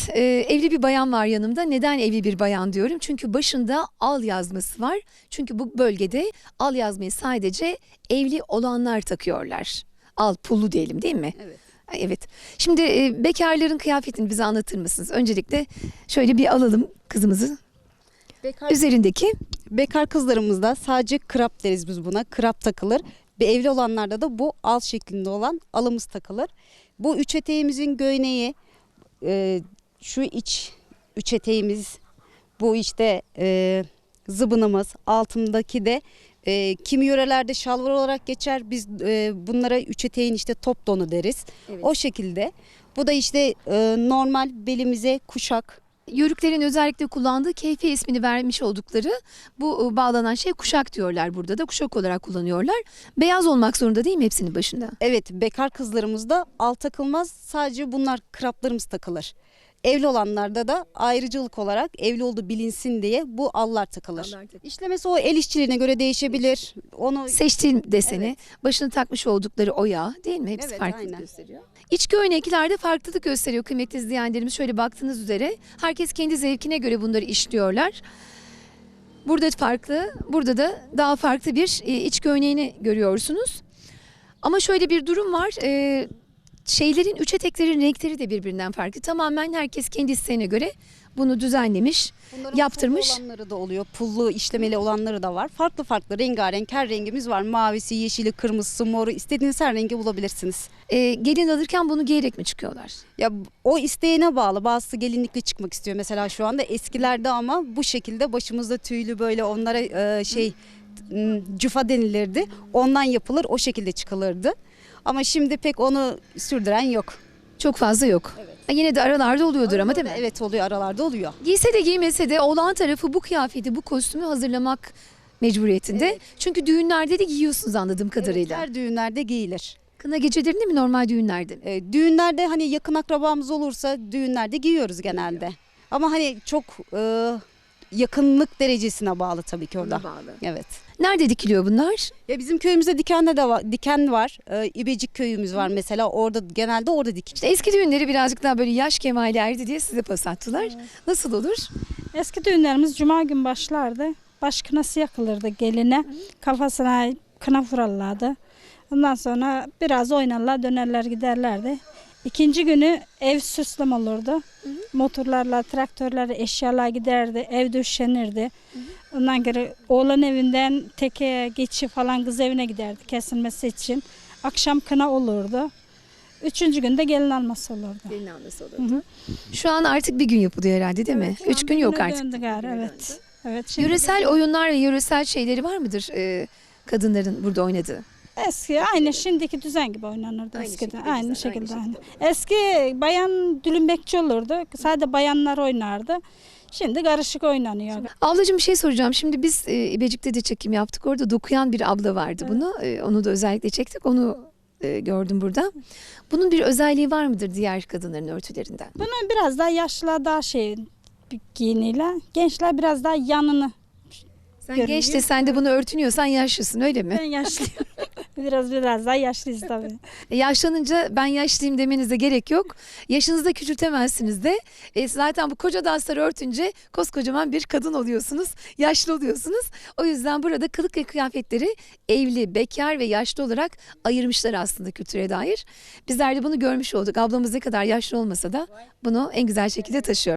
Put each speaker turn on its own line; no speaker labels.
evli bir bayan var yanımda. Neden evli bir bayan diyorum? Çünkü başında al yazması var. Çünkü bu bölgede al yazmayı sadece evli olanlar takıyorlar. Al pullu diyelim, değil mi?
Evet.
Evet. Şimdi bekarların kıyafetini bize anlatır mısınız? Öncelikle şöyle bir alalım kızımızı. Üzerindeki
Bekar kızlarımızda sadece krap deriz biz buna. Krap takılır. Ve evli olanlarda da bu al şeklinde olan alımız takılır. Bu üç eteğimizin göğneği, şu iç üç eteğimiz, bu işte zıbınımız, altındaki de kimi yörelerde şalvar olarak geçer. Biz bunlara üç eteğin işte top donu deriz.
Evet.
O şekilde. Bu da işte normal belimize kuşak.
Yörüklerin özellikle kullandığı keyfi ismini vermiş oldukları bu bağlanan şey kuşak diyorlar burada da. Kuşak olarak kullanıyorlar. Beyaz olmak zorunda değil mi hepsinin başında?
Evet, bekar kızlarımızda al takılmaz. Sadece bunlar kraplarımız takılır. Evli olanlarda da ayrıcalık olarak evli olduğu bilinsin diye bu allar takılır.
Allar takılır.
İşlemesi o el işçiliğine göre değişebilir. Onu
Seçtiğim deseni,
Evet.
başına takmış oldukları oya, değil mi? Hepsi
Evet,
farklılık
aynen.
gösteriyor. İç göğneklerde farklılık gösteriyor kıymetli izleyenlerimiz. Şöyle baktığınız üzere herkes kendi zevkine göre bunları işliyorlar. Burada farklı, burada da daha farklı bir iç göğneğini görüyorsunuz. Ama şöyle bir durum var. Şeylerin, üç eteklerin renkleri de birbirinden farklı. Tamamen herkes kendi isteğine göre bunu düzenlemiş,
bunların
yaptırmış.
pullu olanları da oluyor. Pullu işlemeli olanları da var. Farklı farklı rengarenk her rengimiz var. Mavisi, yeşili, kırmızısı, moru istediğiniz her rengi bulabilirsiniz.
Gelin alırken bunu giyerek mi çıkıyorlar?
Ya o isteğine bağlı. Bazısı gelinlikle çıkmak istiyor mesela şu anda. Eskilerde ama bu şekilde başımızda tüylü böyle onlara cüfa denilirdi. Ondan yapılır, o şekilde çıkılırdı. Ama şimdi pek onu sürdüren yok.
Çok fazla yok.
Evet.
Yine de aralarda oluyordur ama değil mi?
Evet oluyor, aralarda oluyor.
Giyse de giymese de oğlan tarafı bu kıyafeti, bu kostümü hazırlamak mecburiyetinde.
Evet.
Çünkü düğünlerde de giyiyorsunuz anladığım kadarıyla.
Evet, her düğünlerde giyilir.
Kına gecelerinde mi, normal düğünlerde mi?
Düğünlerde hani yakın akrabamız olursa düğünlerde giyiyoruz genelde. Ama hani çok yakınlık derecesine bağlı tabii ki orada.
Ona bağlı.
Evet.
Nerede dikiliyor bunlar?
Ya bizim köyümüzde diken var. İbecik köyümüz var mesela. Orada genelde orada dikiş.
İşte eski düğünleri birazcık daha böyle yaş kemale erdi diye size pas attılar. Nasıl olur?
Eski düğünlerimiz cuma gün başlardı. Baş kınası yakılırdı geline. Kafasına kına vurarlardı. Ondan sonra biraz oynarlar, dönerler giderlerdi. İkinci günü ev süslem olurdu. Motorlarla, traktörlerle eşyalar giderdi. Ev döşenirdi. Ondan sonra oğlan evinden teke geçi falan kız evine giderdi kesilmesi için. Akşam kına olurdu. Üçüncü günde gelin alması olurdu.
Gelin alması olurdu. Şu an artık bir gün yapılıyor herhalde değil mi?
Şu
3
an
gün yok
bugüne
artık.
döndü gari, evet. Evet. Şimdi
Yöresel oyunlar ve yöresel şeyleri var mıdır kadınların burada oynadığı?
eski aynı şimdiki düzen gibi oynanırdı
Aynı
eskiden.
şekilde
Aynı
güzel,
şekilde.
aynı
Aynı.
şekilde.
Eski bayan dülümbekçi olurdu. Sadece bayanlar oynardı. Şimdi karışık oynanıyor.
Ablacığım bir şey soracağım. Şimdi biz İbecik'te de çekim yaptık. Orada dokuyan bir abla vardı bunu. Onu da özellikle çektik. Onu gördüm burada. Bunun bir özelliği var mıdır diğer kadınların örtülerinden?
Bunun biraz daha yaşlılar daha şey giyiniyle. Gençler biraz daha yanını.
Sen
Görünüyor.
genç de sen de bunu örtünüyorsan yaşlısın öyle mi?
Ben yaşlıyım. biraz daha yaşlıyız tabii.
Yaşlanınca ben yaşlıyım demenize gerek yok. Yaşınızı da küçültemezsiniz de. Zaten bu koca dansları örtünce koskocaman bir kadın oluyorsunuz. Yaşlı oluyorsunuz. O yüzden burada kılık ve kıyafetleri evli, bekar ve yaşlı olarak ayırmışlar aslında kültüre dair. Bizler de bunu görmüş olduk. Ablamız ne kadar yaşlı olmasa da bunu en güzel şekilde taşıyor.